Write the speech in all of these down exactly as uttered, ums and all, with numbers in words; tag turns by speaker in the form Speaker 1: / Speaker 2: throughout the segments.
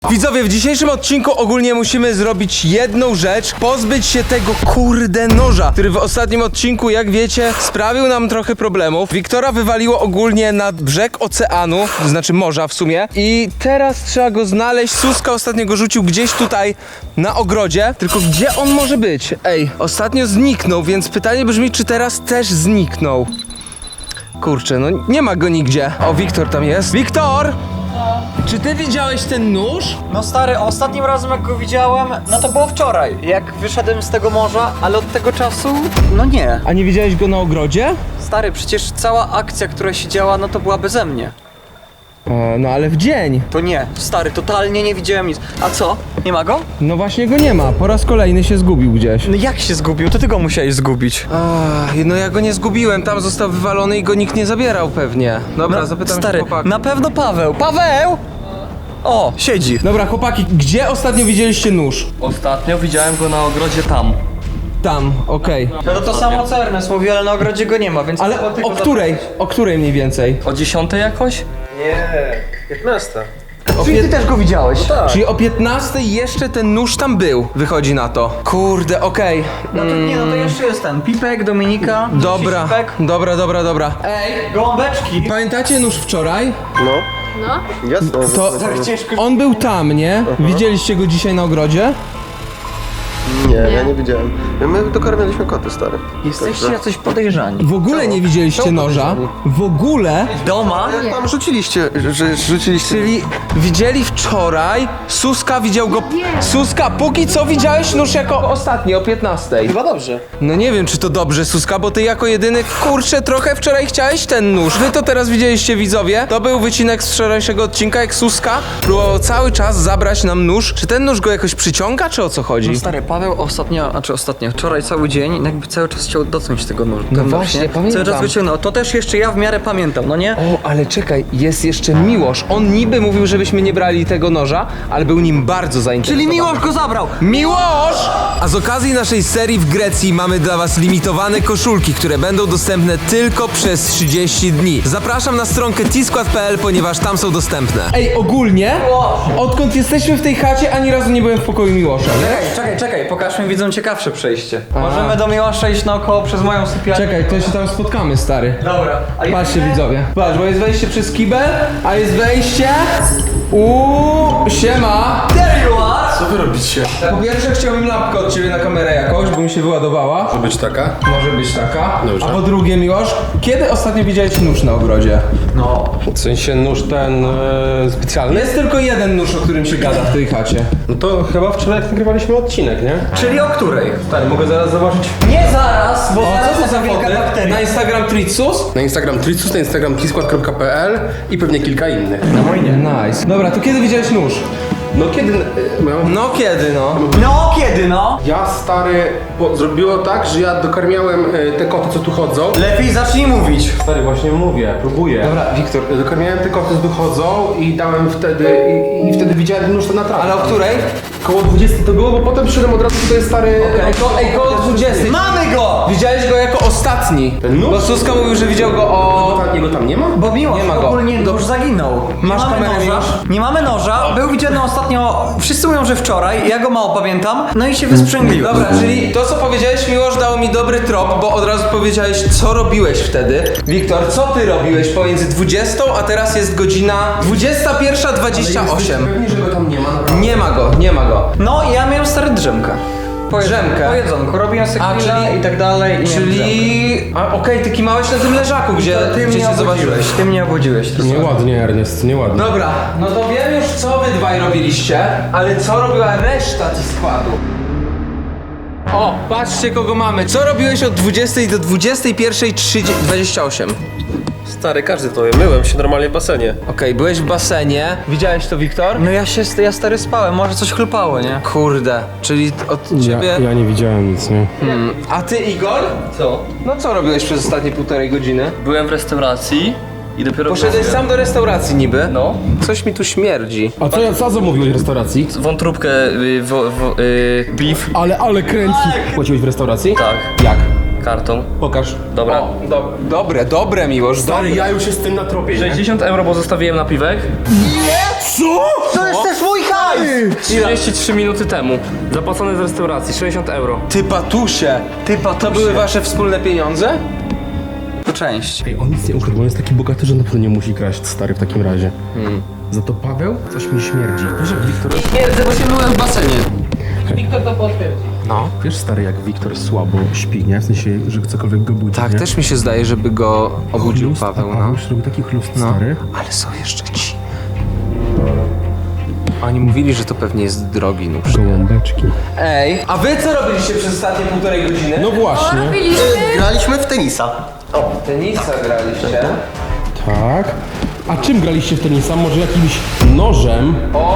Speaker 1: Widzowie, w dzisiejszym odcinku ogólnie musimy zrobić jedną rzecz. Pozbyć się tego kurde noża, który w ostatnim odcinku, jak wiecie, sprawił nam trochę problemów. Wiktora wywaliło ogólnie na brzeg oceanu, znaczy morza w sumie. I teraz trzeba go znaleźć. Suska ostatnio go rzucił gdzieś tutaj na ogrodzie. Tylko gdzie on może być? Ej, ostatnio zniknął, więc pytanie brzmi, czy teraz też zniknął? Kurczę, no nie ma go nigdzie. O, Wiktor tam jest. Wiktor! Czy ty widziałeś ten nóż?
Speaker 2: No stary, ostatnim razem jak go widziałem, no to było wczoraj, jak wyszedłem z tego morza, ale od tego czasu, no nie.
Speaker 1: A nie widziałeś go na ogrodzie?
Speaker 2: Stary, przecież cała akcja, która się działa, no to była beze mnie.
Speaker 1: E, no ale w dzień.
Speaker 2: To nie, stary, totalnie nie widziałem nic. A co? Nie ma go?
Speaker 1: No właśnie go nie ma. Po raz kolejny się zgubił gdzieś.
Speaker 2: No jak się zgubił? To ty go musiałeś zgubić.
Speaker 1: Ach, no ja go nie zgubiłem. Tam został wywalony i go nikt nie zabierał pewnie. Dobra,
Speaker 2: No,
Speaker 1: zapytam
Speaker 2: stary,
Speaker 1: się chłopaków.
Speaker 2: na pewno Paweł. Paweł! O, siedzi.
Speaker 1: Dobra, chłopaki, gdzie ostatnio widzieliście nóż?
Speaker 3: Ostatnio widziałem go na ogrodzie tam.
Speaker 1: Tam, okej.
Speaker 2: No to to samo co Ernest mówi, ale na ogrodzie go nie ma, więc...
Speaker 1: Ale
Speaker 2: tylko
Speaker 1: o
Speaker 2: tylko
Speaker 1: której? O której mniej więcej?
Speaker 3: O dziesiątej jakoś?
Speaker 2: Czyli ty też go widziałeś?
Speaker 1: Czyli o piętnastej jeszcze ten nóż tam był. Wychodzi na to. Kurde, okej.
Speaker 2: No to nie, no to jeszcze jest ten. Pipek, Dominika.
Speaker 1: Dobra,
Speaker 2: Pipek.
Speaker 1: dobra, dobra, dobra. Ej,
Speaker 2: Gołąbeczki.
Speaker 1: pamiętacie nóż wczoraj?
Speaker 4: No.
Speaker 5: No.
Speaker 4: Jasne.
Speaker 1: To on był tam, nie? Widzieliście go dzisiaj na ogrodzie?
Speaker 4: Nie, ja nie widziałem. My dokarmialiśmy koty, stary.
Speaker 2: Jesteście jacyś podejrzani.
Speaker 1: W ogóle nie widzieliście noża. W ogóle.
Speaker 2: Doma?
Speaker 4: Tam rzuciliście, że rzuciliście.
Speaker 1: Czyli widzieli wczoraj, Suska widział go... Suska, póki co widziałeś nóż jako ostatni, o piętnastej.
Speaker 2: Chyba dobrze.
Speaker 1: No nie wiem, czy to dobrze, Suska, bo ty jako jedyny, kurczę, trochę wczoraj chciałeś ten nóż. Wy to teraz widzieliście, widzowie. To był wycinek z wczorajszego odcinka, jak Suska próbował cały czas zabrać nam nóż. Czy ten nóż go jakoś przyciąga, czy o co chodzi?
Speaker 2: Stary, Paweł ostatnio, znaczy ostatnio, wczoraj cały dzień jakby cały czas chciał dotknąć tego nóża.
Speaker 1: No właśnie, pamiętam.
Speaker 2: Cały czas wyciągnął. To też jeszcze ja w miarę pamiętam, no nie?
Speaker 1: O, ale czekaj, jest jeszcze Miłosz. On niby mówił, żebyśmy nie brali tego noża, ale był nim bardzo zainteresowany.
Speaker 2: Czyli Miłosz go zabrał!
Speaker 1: Miłosz! A z okazji naszej serii w Grecji mamy dla was limitowane koszulki, które będą dostępne tylko przez trzydzieści dni. Zapraszam na stronkę t skład kropka p l, ponieważ tam są dostępne. Ej, ogólnie, odkąd jesteśmy w tej chacie, ani razu nie byłem w pokoju Miłosza, nie?
Speaker 2: Czekaj, czekaj, czekaj, pokażmy widzom ciekawsze przejście. Możemy do Miłosza iść naokoło przez moją sypialnię.
Speaker 1: Czekaj, to się tam spotkamy, stary.
Speaker 2: Dobra. A
Speaker 1: Patrzcie,
Speaker 2: jedziemy?
Speaker 1: widzowie. Patrz, bo jest wejście przez kibel, a jest wejście... Uuu, siema!
Speaker 2: There you are!
Speaker 6: Co wy robicie?
Speaker 1: Po pierwsze chciałbym lampkę od ciebie na kamerę jakoś, bo mi się wyładowała.
Speaker 6: Może być taka?
Speaker 1: Może być taka.
Speaker 6: Dobrze.
Speaker 1: A po drugie, Miłosz, kiedy ostatnio widziałeś nóż na ogrodzie?
Speaker 2: No.
Speaker 6: W sensie nóż ten e, specjalny?
Speaker 1: Jest tylko jeden nóż, o którym się gada w tej chacie.
Speaker 6: No to chyba wczoraj jak nagrywaliśmy odcinek, nie?
Speaker 2: Czyli o której?
Speaker 6: Tak, mogę zaraz zobaczyć.
Speaker 2: Nie zaraz, bo
Speaker 1: O,
Speaker 2: zaraz
Speaker 1: co to za
Speaker 2: wielka
Speaker 1: foty?
Speaker 2: bakteria.
Speaker 1: Na Instagram Tritsus?
Speaker 6: Na Instagram Tricus, na Instagram t skład kropka p l i pewnie kilka innych.
Speaker 2: Na wojnie.
Speaker 1: Nice. Dobra, to kiedy widziałeś nóż?
Speaker 6: No kiedy... e, No,
Speaker 1: No kiedy, no?
Speaker 2: No kiedy no?
Speaker 6: ja stary, bo zrobiło tak, że ja dokarmiałem e, te koty, co tu chodzą.
Speaker 2: Lepiej zacznij mówić.
Speaker 6: Stary, właśnie mówię, próbuję.
Speaker 1: Dobra, Wiktor.
Speaker 6: Dokarmiałem te koty, co tu chodzą i dałem wtedy... I, i wtedy widziałem ten nóż ten na trawie.
Speaker 1: Ale o której?
Speaker 6: Koło dwudziestej to było, bo potem przyszedłem od razu tutaj stary...
Speaker 1: Ej, ko, ej koło dwudziestej.
Speaker 2: Mamy go!
Speaker 1: Widziałeś go jako ostatni.
Speaker 6: Ten nóż?
Speaker 1: Bo Suska mówił, że widział go o...
Speaker 6: Jego tam nie ma?
Speaker 2: Bo Miłosz
Speaker 1: Nie ma go.
Speaker 2: ogólnie już zaginął. Nie
Speaker 1: Masz
Speaker 2: mamy
Speaker 1: kamerę,
Speaker 2: noża.
Speaker 1: Miłosz?
Speaker 2: Nie mamy noża. Był widziany ostatnio, wszyscy mówią, że wczoraj, ja go mało pamiętam, no i się wysprzęgliłem.
Speaker 1: Dobra, czyli to co powiedziałeś, Miłosz, dało mi dobry trop, bo od razu powiedziałeś, co robiłeś wtedy. Wiktor, co ty robiłeś pomiędzy dwudziestą, a teraz jest godzina dwudziesta pierwsza dwadzieścia osiem.
Speaker 6: Pewnie, że go tam nie ma, naprawdę.
Speaker 1: Nie ma go, nie ma go.
Speaker 2: No i ja miałem stary drzemkę. Po jedzonku,
Speaker 1: Drzemkę?
Speaker 2: Po jedzonku, robiłem sobie
Speaker 1: A,
Speaker 2: grilla
Speaker 1: czyli-
Speaker 2: i tak dalej. i miałem drzemkę.
Speaker 1: Czyli... A okej, ty kimałeś na tym leżaku, gdzie,
Speaker 2: Ty
Speaker 1: gdzie
Speaker 2: mnie
Speaker 1: się zobaczyłeś.
Speaker 2: obudziłeś, ty mnie obudziłeś.
Speaker 6: Nieładnie, Ernest, nieładnie.
Speaker 1: Dobra, no to wiem już co wy dwaj robiliście, ale co robiła reszta ci składu? O, patrzcie kogo mamy. Co robiłeś od dwudziestej do dwudziestej pierwszej dwadzieścia osiem?
Speaker 7: Stary, każdy to wie. Myłem się normalnie w basenie.
Speaker 1: Okej, byłeś w basenie. Widziałeś to, Wiktor?
Speaker 2: No ja się, ja stary spałem, może coś chlupało, nie?
Speaker 1: Kurde, czyli od ciebie...
Speaker 6: nie widziałem nic, nie?
Speaker 1: Hmm. A ty, Igor?
Speaker 3: Co?
Speaker 1: No co robiłeś przez ostatnie półtorej godziny?
Speaker 3: Byłem w restauracji i dopiero...
Speaker 1: Poszedłeś sam do restauracji niby?
Speaker 3: No.
Speaker 1: Coś mi tu śmierdzi.
Speaker 6: A co, co zamówiłeś w restauracji?
Speaker 3: Wątróbkę, y, wo, wo, y, beef.
Speaker 6: Ale, ale kręci. Płaciłeś w restauracji?
Speaker 3: Tak.
Speaker 6: Jak?
Speaker 3: karton.
Speaker 6: Pokaż.
Speaker 3: Dobra.
Speaker 1: O, do, dobre, dobre, Miłosz,
Speaker 6: Stary,
Speaker 1: dobre.
Speaker 6: ja już jestem na tropie, nie?
Speaker 3: sześćdziesiąt euro, bo zostawiłem na piwek.
Speaker 2: To jest też mój hajs!
Speaker 3: trzydzieści trzy minuty temu. Zapłacone z restauracji, sześćdziesiąt euro.
Speaker 1: Ty patusie, ty patusie. To były wasze wspólne pieniądze?
Speaker 2: To część.
Speaker 6: Ej, on nic nie ukradł, on jest taki bogaty, że na pewno nie musi kraść, stary, w takim razie. Hmm. Za to Paweł? Coś mi śmierdzi. Wiesz, jak Wiktor...
Speaker 3: Twierdzę, bo się myłem w basenie.
Speaker 1: No.
Speaker 6: Wiesz, stary, jak Wiktor słabo śpi, nie? W sensie, że cokolwiek go budzi,
Speaker 1: Tak,
Speaker 6: nie?
Speaker 1: też mi się zdaje, żeby go obudził
Speaker 6: Chlust,
Speaker 1: Paweł,
Speaker 6: a
Speaker 1: no.
Speaker 6: Paweł już robi taki chlust,
Speaker 1: No.
Speaker 6: stary.
Speaker 1: Ale są jeszcze ci. Oni mówili, że to pewnie jest drogi nóż.
Speaker 6: Gołąbeczki.
Speaker 1: Ej, a wy co robiliście przez ostatnie półtorej godziny?
Speaker 6: No właśnie.
Speaker 5: Robiliśmy.
Speaker 4: Graliśmy w tenisa.
Speaker 1: Tenisa graliście.
Speaker 6: Tak. A czym graliście w tenisa? Może jakimś nożem?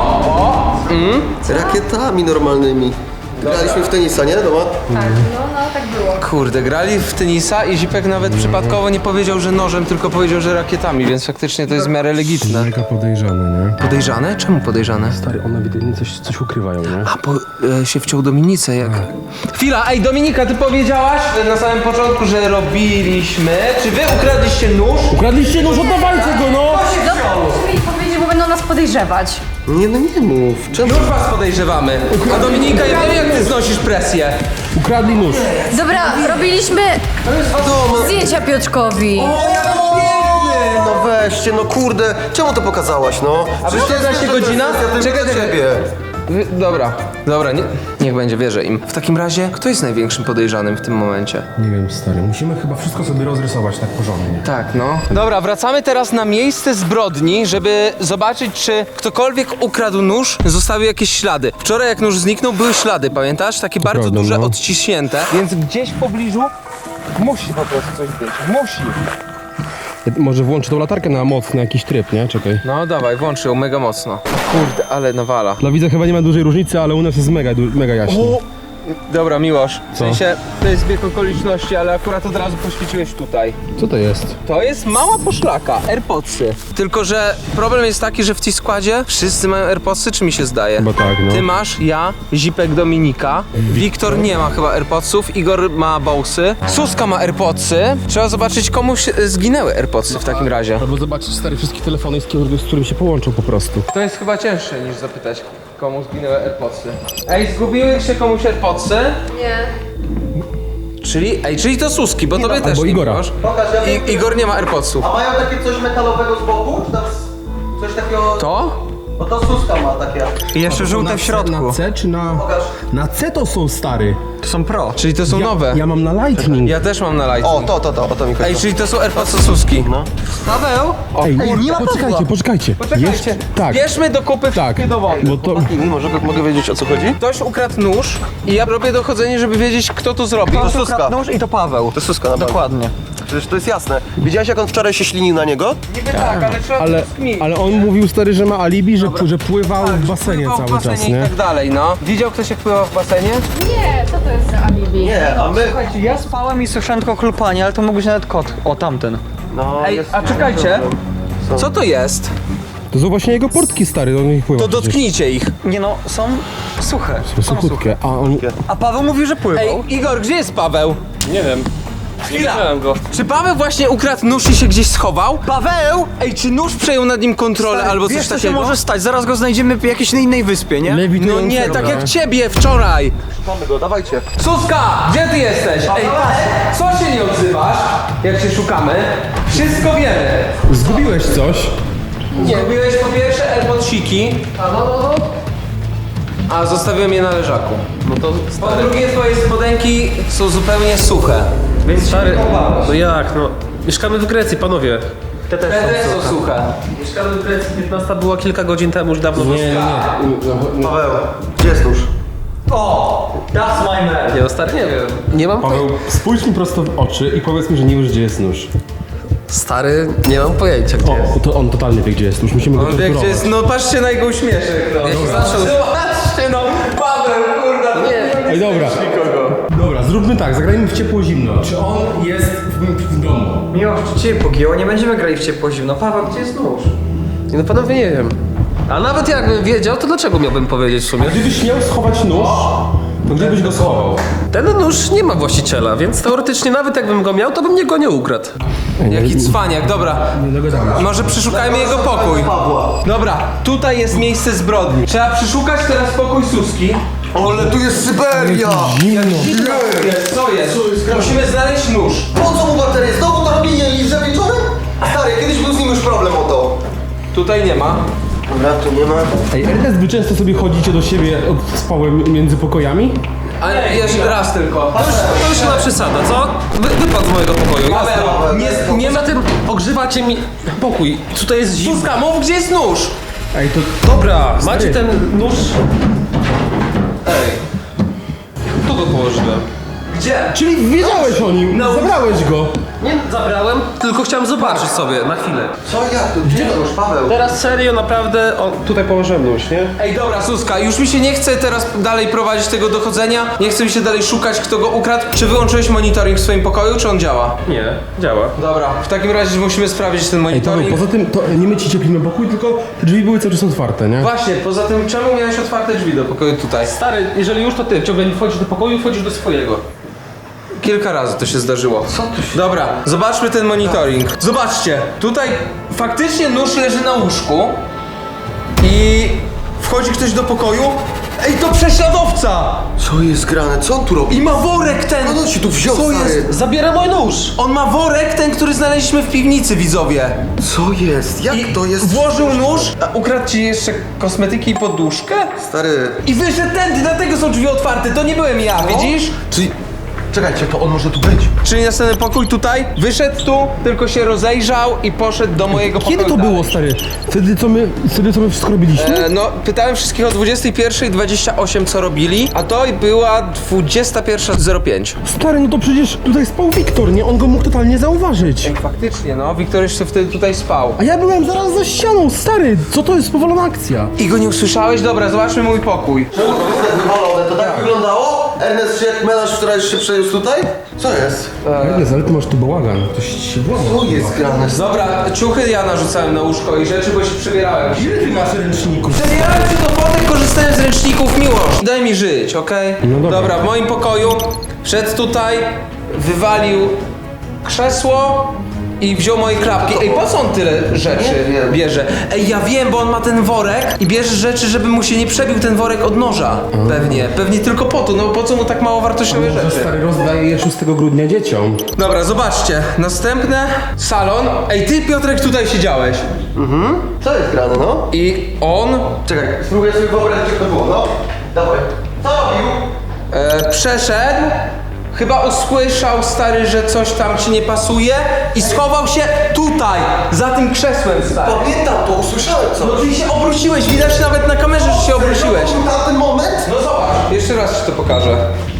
Speaker 4: Rakietami normalnymi. Graliśmy w tenisa, nie? Doma?
Speaker 5: Tak, no, no tak było.
Speaker 1: Kurde, grali w tenisa i Zipek nawet przypadkowo nie powiedział, że nożem, tylko powiedział, że rakietami, więc faktycznie to jest w miarę legitne.
Speaker 6: Mega podejrzane, nie?
Speaker 1: Podejrzane? Czemu podejrzane?
Speaker 6: Stary, one ewidentnie coś, coś ukrywają, nie?
Speaker 1: A, bo e, się wciął Dominice, jak... Chwila, ej Dominika, ty powiedziałaś e, na samym początku, że robiliśmy... Czy wy ukradliście nóż?
Speaker 6: Ukradliście nóż, oddawajcie go, no!
Speaker 5: Dobra, musimy ich powiedzieć, bo będą nas podejrzewać.
Speaker 4: Nie, no nie mów. Czemu?
Speaker 1: Już was podejrzewamy. A Dominika, ja wiem, jak ty znosisz presję.
Speaker 6: Ukradli nóż.
Speaker 5: Dobra, robiliśmy zdjęcia Piotrkowi.
Speaker 4: No weźcie, no kurde. Czemu to pokazałaś, no?
Speaker 1: A wy czternaście godzina?
Speaker 4: Czekaj,
Speaker 1: Czekaj, czekaj.
Speaker 4: ciebie.
Speaker 1: Wy, dobra, dobra, nie, niech będzie, wierzę im. W takim razie, kto jest największym podejrzanym w tym momencie?
Speaker 6: Nie wiem, stary, musimy chyba wszystko sobie rozrysować tak porządnie.
Speaker 1: Tak, no. Dobra, wracamy teraz na miejsce zbrodni, żeby zobaczyć, czy ktokolwiek ukradł nóż, zostawił jakieś ślady. Wczoraj jak nóż zniknął, były ślady, pamiętasz? Takie bardzo
Speaker 6: prawda,
Speaker 1: duże,
Speaker 6: no.
Speaker 1: odciśnięte. Więc gdzieś w pobliżu musi po prostu coś być. Musi.
Speaker 6: Ja może włączę tą latarkę na mocny jakiś tryb, nie? Czekaj.
Speaker 1: No dawaj, włącz ją mega mocno. Kurde, ale nawala.
Speaker 6: Dla widza chyba nie ma dużej różnicy, ale u nas jest mega, du- mega jaśno.
Speaker 1: Dobra, Miłosz, w
Speaker 6: Co?
Speaker 1: sensie to jest zbieg okoliczności, ale akurat od razu poświeciłeś tutaj.
Speaker 6: Co to jest?
Speaker 1: To jest mała poszlaka, AirPodsy. Tylko, że problem jest taki, że w tej składzie wszyscy mają AirPodsy, czy mi się zdaje?
Speaker 6: Chyba tak, no.
Speaker 1: Ty masz, ja, Zipek, Dominika, Wiktor nie ma chyba AirPodsów, Igor ma Bowsy, Suska ma AirPodsy. Trzeba zobaczyć, komuś e, zginęły AirPodsy w takim razie.
Speaker 6: Albo zobaczyć stary wszystkie telefony, z którym, z którym się połączą po prostu.
Speaker 1: To jest chyba cięższe niż zapytać, komu zginęły AirPodsy. Ej, zgubiły się komuś AirPodsy?
Speaker 5: Nie.
Speaker 1: Czyli, ej, czyli to Suski, bo tobie też
Speaker 6: albo
Speaker 1: nie
Speaker 6: Igora.
Speaker 1: masz.
Speaker 4: Pokaż, ja
Speaker 1: I, Igor nie ma AirPodsów.
Speaker 4: A mają takie coś metalowego z boku? Czy tam coś takiego...
Speaker 1: To?
Speaker 4: Bo to Suska ma takie.
Speaker 2: I jeszcze żółte w środku.
Speaker 6: Na C czy na...
Speaker 4: Pokaż.
Speaker 6: Na C to są, stary.
Speaker 2: To są pro.
Speaker 1: Czyli to są
Speaker 6: Ja,
Speaker 1: nowe.
Speaker 6: ja mam na Lightning.
Speaker 1: Ja też mam na
Speaker 4: O,
Speaker 1: Lightning.
Speaker 4: to, to, to, o to mi chodzi.
Speaker 1: Ej, czyli to są AirPodsy Suski.
Speaker 4: No.
Speaker 2: Paweł?
Speaker 6: Ej,
Speaker 2: nie ma
Speaker 6: poczekajcie,
Speaker 2: Pawła.
Speaker 6: poczekajcie.
Speaker 1: Poczekajcie,
Speaker 6: Jeszcze- tak,
Speaker 1: bierzmy do kupy
Speaker 6: tak.
Speaker 1: wszystkie dowody.
Speaker 6: Bo to...
Speaker 4: I może mogę wiedzieć, o co chodzi?
Speaker 1: Ktoś ukradł nóż i ja robię dochodzenie, żeby wiedzieć, kto to zrobił.
Speaker 4: To
Speaker 2: To
Speaker 4: Suska.
Speaker 2: nóż i to Paweł.
Speaker 4: To Suska na bank.
Speaker 2: Dokładnie.
Speaker 4: Przecież to jest jasne. Widziałeś, jak on wczoraj się ślinił na niego?
Speaker 1: Niby tak, ale trzeba
Speaker 6: Ale,
Speaker 1: to skminić.
Speaker 6: ale on mówił, stary, że ma alibi, że, że pływał w basenie
Speaker 1: Pływał w
Speaker 6: cały
Speaker 1: basenie
Speaker 6: czas,
Speaker 1: i
Speaker 6: nie?
Speaker 1: tak dalej, no. Widział ktoś, jak pływał w basenie?
Speaker 5: Nie, co to jest za alibi?
Speaker 4: Nie, a my...
Speaker 2: Słuchajcie, ja spałem i słyszałem tylko chlupanie, ale to mógł być nawet kot. O, tamten.
Speaker 4: No,
Speaker 1: Ej,
Speaker 4: jest...
Speaker 1: a czekajcie. Co to jest?
Speaker 6: To są właśnie jego portki, stary, on ich pływa.
Speaker 1: To dotknijcie ich.
Speaker 2: Nie no, są suche.
Speaker 6: To są krótkie, a on...
Speaker 2: A Paweł mówił, że pływał.
Speaker 1: Ej, Igor, gdzie jest Paweł?
Speaker 3: Nie wiem. Nie widziałem go.
Speaker 1: Czy Paweł właśnie ukradł nóż i się gdzieś schował?
Speaker 2: Paweł!
Speaker 1: Ej, czy nóż przejął nad nim kontrolę
Speaker 2: Stary,
Speaker 1: albo
Speaker 2: wiesz,
Speaker 1: coś
Speaker 2: co
Speaker 1: takiego?
Speaker 2: się może stać? Zaraz go znajdziemy w jakiejś innej wyspie, nie?
Speaker 1: No
Speaker 6: Lewitujący,
Speaker 1: nie,
Speaker 6: dobra.
Speaker 1: tak jak ciebie wczoraj.
Speaker 4: Mamy go, dawajcie.
Speaker 1: Suska, gdzie ty jesteś? Ej, co się nie odzywasz, jak się szukamy? Wszystko wiemy.
Speaker 6: Zgubiłeś coś?
Speaker 1: Zgubiłeś po pierwsze AirPodsiki. A zostawiłem je na leżaku.
Speaker 3: No to
Speaker 1: Po drugie, twoje spodenki są zupełnie suche. Więc
Speaker 7: Stary, no jak, no. Mieszkamy w Grecji, panowie.
Speaker 1: te też są suche.
Speaker 7: Mieszkamy w Grecji, piętnasta była kilka godzin temu, już dawno
Speaker 6: Nie, nie.
Speaker 4: Paweł, gdzie jest nóż?
Speaker 2: O! That's my man!
Speaker 7: Nie, no stary, nie wiem. Nie mam
Speaker 6: Paweł, spójrz mi prosto w oczy i powiedz mi, że nie wiesz, gdzie jest nóż.
Speaker 7: Stary, nie mam pojęcia, gdzie
Speaker 6: O, to on totalnie wie, gdzie jest nóż, musimy go
Speaker 1: On wie, gdzie
Speaker 6: torturować.
Speaker 1: jest, no patrzcie na jego uśmieszek. No. Patrzcie no, Paweł, kurda. Nie,
Speaker 6: Ej, dobra. Dobra, zróbmy tak, zagrajmy w ciepło-zimno. Czy on jest w, w domu?
Speaker 2: Miłość, czy cię pogięło? Nie będziemy grali w ciepło zimno. Paweł, gdzie jest nóż?
Speaker 7: Nie, no panowie, nie wiem. A nawet jakbym wiedział, to dlaczego miałbym powiedzieć w sumie?
Speaker 6: Gdybyś miał schować nóż, To gdzie byś go schował?
Speaker 7: Ten nóż nie ma właściciela, więc teoretycznie nawet jakbym go miał, to bym mnie go nie ukradł.
Speaker 1: Jaki cwaniak, dobra.
Speaker 6: Nie dogadamy się.
Speaker 1: Może przeszukajmy jego pokój. Dobra, tutaj jest miejsce zbrodni. Trzeba przeszukać teraz pokój Suski.
Speaker 4: Ale tu jest Syberia!
Speaker 6: Zimno.
Speaker 1: Jest, co jest? Musimy znaleźć nóż.
Speaker 4: Po co mu baterie? Znowu to robi liże wieczorem? Stary, kiedyś był z nim już problem o to.
Speaker 1: Tutaj nie ma.
Speaker 4: Dobra, tu nie ma.
Speaker 6: Ej, Ernest, wy często sobie chodzicie do siebie od spałem między pokojami?
Speaker 1: Ale jeszcze raz tylko.
Speaker 7: To już, to już chyba przesada, co? Wy, wypadł z mojego pokoju.
Speaker 1: Paweł, nie, nie ma
Speaker 7: Poza tym ogrzewacie mi pokój. Tutaj jest zimno.
Speaker 1: Suska, mów gdzie jest nóż.
Speaker 6: Ej, to...
Speaker 7: Dobra, macie ten nóż. Ej. Tu go położyłem.
Speaker 1: Gdzie?
Speaker 6: Czyli wiedziałeś o nim,
Speaker 1: No.
Speaker 6: zabrałeś go.
Speaker 7: Nie zabrałem, tylko chciałem zobaczyć sobie na chwilę.
Speaker 4: Co jak to? Gdzie to już, Paweł?
Speaker 7: Teraz serio, naprawdę. O, tutaj położyłem nóż, nie?
Speaker 1: Ej, dobra, Suska, już mi się nie chce teraz dalej prowadzić tego dochodzenia. Nie chce mi się dalej szukać, kto go ukradł. Czy wyłączyłeś monitoring w swoim pokoju, czy on działa?
Speaker 7: Nie, działa.
Speaker 1: Dobra, w takim razie musimy sprawdzić ten
Speaker 6: Ej, Paweł,
Speaker 1: monitoring.
Speaker 6: poza tym to nie my ci cieplimy pokój, tylko te drzwi były cały czas otwarte, nie?
Speaker 1: Właśnie, poza tym czemu miałeś otwarte drzwi do pokoju tutaj?
Speaker 7: Stary, jeżeli już to ty ciągle nie wchodzisz do pokoju, wchodzisz do swojego.
Speaker 1: Kilka razy to się zdarzyło. Co tu się... Dobra, zobaczmy ten monitoring. Zobaczcie, tutaj faktycznie nóż leży na łóżku i wchodzi ktoś do pokoju. Ej, to prześladowca!
Speaker 4: Co jest grane? Co on tu robi?
Speaker 1: I ma worek ten!
Speaker 4: No on się tu wziął,
Speaker 1: Co
Speaker 4: stary.
Speaker 1: jest?
Speaker 7: Zabiera mój nóż!
Speaker 1: On ma worek ten, który znaleźliśmy w piwnicy, widzowie.
Speaker 4: Co jest? Jak
Speaker 1: I
Speaker 4: to jest?
Speaker 1: włożył nóż, a ukradł ci jeszcze kosmetyki i poduszkę?
Speaker 4: Stary...
Speaker 1: I wyszedł tędy, dlatego są drzwi otwarte, to nie byłem ja, widzisz?
Speaker 4: Czyli... Czekajcie, to on może tu być.
Speaker 1: Czyli następny pokój tutaj, wyszedł tu, tylko się rozejrzał i poszedł do mojego pokoju.
Speaker 6: Kiedy to
Speaker 1: dalej.
Speaker 6: było, stary? Wtedy co my, wtedy co my wszystko robiliśmy?
Speaker 1: E, no, pytałem wszystkich o dwudziestej pierwszej dwadzieścia osiem co robili, a to była dwudziesta pierwsza zero pięć.
Speaker 6: Stary, no to przecież tutaj spał Wiktor, nie? On go mógł totalnie zauważyć.
Speaker 1: Faktycznie, no, Wiktor jeszcze wtedy tutaj spał.
Speaker 6: A ja byłem zaraz za ścianą, stary! Co to jest powolona akcja?
Speaker 1: I go nie usłyszałeś? Dobra, zobaczmy mój pokój.
Speaker 4: Czemu to jest tak wywalone? To tak wyglądało? Ernest się jak melanż wczoraj się przeniósł tutaj? Co jest?
Speaker 6: Ernest, ale ty masz tu bałagan. Ktoś się włamał.
Speaker 4: Co jest grane?
Speaker 1: Dobra, ciuchy ja narzucałem na łóżko i rzeczy, bo się przebierałem.
Speaker 6: Ile ty masz ręczników?
Speaker 1: Przebierałem się do fotek, korzystałem z ręczników, miłość. Daj mi żyć, okej?
Speaker 6: No dobra.
Speaker 1: w moim pokoju wszedł tutaj, wywalił krzesło i wziął moje klapki. Ej, po co on tyle rzeczy
Speaker 4: Nie wiem.
Speaker 1: bierze? Ej, ja wiem, bo on ma ten worek i bierze rzeczy, żeby mu się nie przebił ten worek od noża. Pewnie, pewnie tylko po to, no po co mu tak mało wartościowe
Speaker 6: Może
Speaker 1: rzeczy?
Speaker 6: stary rozdaje je szóstego grudnia dzieciom.
Speaker 1: Dobra, zobaczcie, następne, salon. Ej, ty Piotrek tutaj siedziałeś
Speaker 4: Co jest grane, no?
Speaker 1: i on
Speaker 4: Czekaj, spróbuję sobie wyobrazić, jak to było, no. Dawaj. Co robił?
Speaker 1: e, przeszedł, chyba usłyszał, stary, że coś tam ci nie pasuje i schował się tutaj, za tym krzesłem, stary.
Speaker 4: Pamiętam to, usłyszałem co.
Speaker 1: No ty się obróciłeś, widać nawet na kamerze, że się obróciłeś.
Speaker 4: To był tamten moment?
Speaker 1: No zobacz, jeszcze raz ci to pokażę.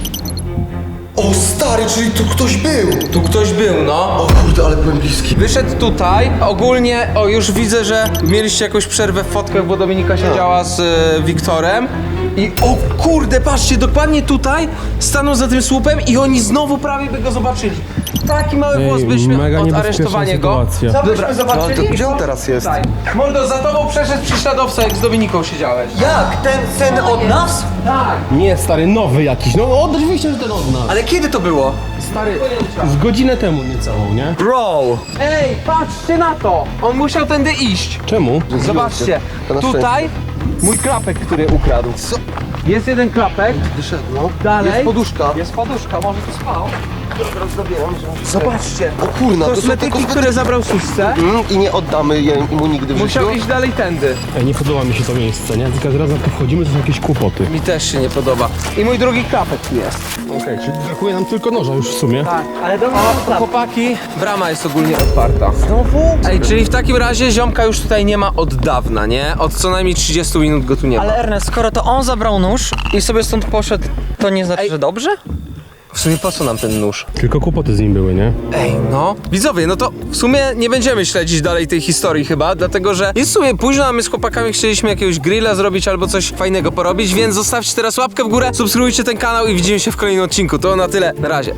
Speaker 4: O stary, czyli tu ktoś był.
Speaker 1: Tu ktoś był, no.
Speaker 4: O kurde, ale byłem bliski.
Speaker 1: Wyszedł tutaj, ogólnie, o już widzę, że mieliście jakąś przerwę w fotkach, bo Dominika siedziała z e, Wiktorem. I o kurde, patrzcie, dokładnie tutaj stanął za tym słupem i oni znowu prawie by go zobaczyli. Taki mały
Speaker 6: Ej,
Speaker 1: głos byliśmy
Speaker 6: mega
Speaker 1: od
Speaker 6: niebezpieczna
Speaker 1: aresztowania go.
Speaker 6: sytuacja.
Speaker 1: Co byśmy zobaczyli?
Speaker 4: No, to gdzie on teraz jest?
Speaker 1: Tutaj. Mordo, za tobą przeszedł prześladowca, jak z Dominiką siedziałeś.
Speaker 2: Jak? Ten, ten od nas?
Speaker 1: Tak.
Speaker 6: Nie, stary, nowy jakiś. No oczywiście, że ten od nas.
Speaker 2: Ale kiedy to było?
Speaker 6: Stary, z godzinę temu niecałą, nie?
Speaker 2: Bro!
Speaker 1: Ej, patrzcie na to! On musiał tędy iść.
Speaker 6: Czemu?
Speaker 1: Zobaczcie,
Speaker 4: To na
Speaker 1: tutaj mój klapek, który ukradł.
Speaker 4: Co?
Speaker 1: Jest jeden klapek,
Speaker 4: Wyszedł, no.
Speaker 1: dalej
Speaker 4: Jest poduszka.
Speaker 1: jest poduszka, może to spał.
Speaker 4: Zabieram, że...
Speaker 1: Zobaczcie,
Speaker 4: O kurna, to są te
Speaker 1: kosmetyki,
Speaker 4: kosmetyki.
Speaker 1: które zabrał Susce,
Speaker 4: Mm, I nie oddamy je mu nigdy w
Speaker 1: musiał
Speaker 4: życiu.
Speaker 1: iść dalej tędy.
Speaker 6: Ej, nie podoba mi się to miejsce, nie? Tylko zaraz jak tu wchodzimy, to są jakieś kłopoty.
Speaker 1: Mi też się nie podoba. I mój drugi klapek tu jest.
Speaker 6: Okej, czyli brakuje nam tylko noża już w sumie.
Speaker 1: Tak.
Speaker 2: Ale do
Speaker 1: O, chłopaki, brama jest ogólnie otwarta.
Speaker 2: Znowu?
Speaker 1: Ej, czyli w takim razie ziomka już tutaj nie ma od dawna, nie? Od co najmniej trzydziestu minut go tu nie ma.
Speaker 2: Ale Ernest, skoro to on zabrał nóż i sobie stąd poszedł, to nie znaczy,
Speaker 1: Ej.
Speaker 2: że dobrze?
Speaker 1: W sumie po co nam ten nóż?
Speaker 6: Tylko kłopoty z nim były, nie?
Speaker 1: Ej, no. Widzowie, no to w sumie nie będziemy śledzić dalej tej historii chyba, dlatego że jest w sumie późno, a my z chłopakami chcieliśmy jakiegoś grilla zrobić albo coś fajnego porobić, więc zostawcie teraz łapkę w górę, subskrybujcie ten kanał i widzimy się w kolejnym odcinku. To na tyle, na razie.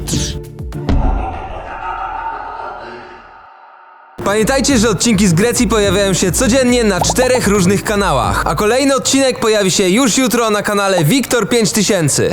Speaker 1: Pamiętajcie, że odcinki z Grecji pojawiają się codziennie na czterech różnych kanałach, a kolejny odcinek pojawi się już jutro na kanale Wiktor pięć tysięcy.